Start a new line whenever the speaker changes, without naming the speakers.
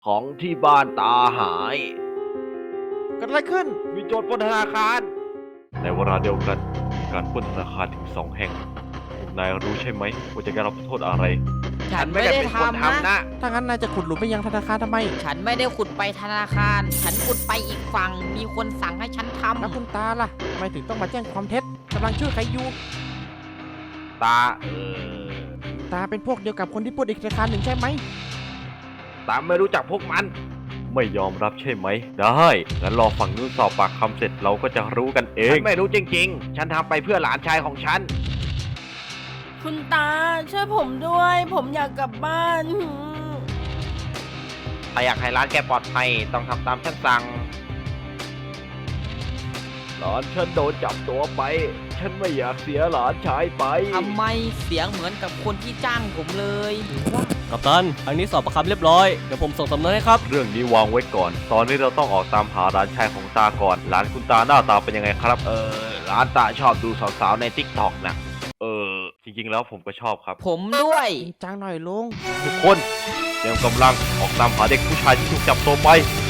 ของที่บ้านตาหาย
เกิดอะไรขึ้น
มีโจรปล้นธนาคาร ในเวลาเดียวกันมีการปล้นธนาคารถึง2 แห่งพวกนายรู้ใช่ไหมว่าจะได้รับโทษอะไร
ฉันไม่ได้ทำนะ
ถ้างั้นนายจะขุดหลุมไปยังธนาคารทำไม
ฉันไม่ได้ขุดไปธนาคาร ฉันขุดไปอีกฝั่ง มีคนสั่งให้ฉันท
แล้วคุณตาล่ะทำไมถึงต้องมาแจ้งความเท็จกำลังช่วยใครอยู่
ตา
ตาเป็นพวกเดียวกับคนที่ปล้นอีกธนาคารหนึ่งใช่ไหม
ตาไม่รู้จักพวกมัน ไม่ยอมรับใช่ไหม ได้งั้นรอฝั่งนู้นสอบปากคำเสร็จเราก็จะรู้กันเอง ฉันไม่รู้จริงๆ ฉันทำไปเพื่อหลานชายของฉัน
คุณตาช่วยผมด้วย ผมอยากกลับบ้านหืม
ถ้าอยากให้ร้านแกปลอดภัยต้องทำตามฉันสั่งหลานฉันโดนจับตัวไป ฉันไม่อยากเสียหลานชายไป
ำทำไมเสียงเหมือนกับคนที่จ้างผมเลย
กัปตันทางนี้สอบประคำเรียบร้อย เดี๋ยวผมส่งสำนวนให้ครับ
เรื่องนี้วางไว้ก่อน ตอนนี้เราต้องออกตามหาหลานชายของตาก่อน หลานคุณตาหน้าตาเป็นยังไงครับ หลานตาชอบดูสาวๆในทิกตอกนะจริงๆแล้วผมก็ชอบครับ
ผมด้วย
จริงจังหน่อยลุง
ทุกคนเตรียมกำลังออกตามหาเด็กผู้ชายที่ถูกจับตัวไป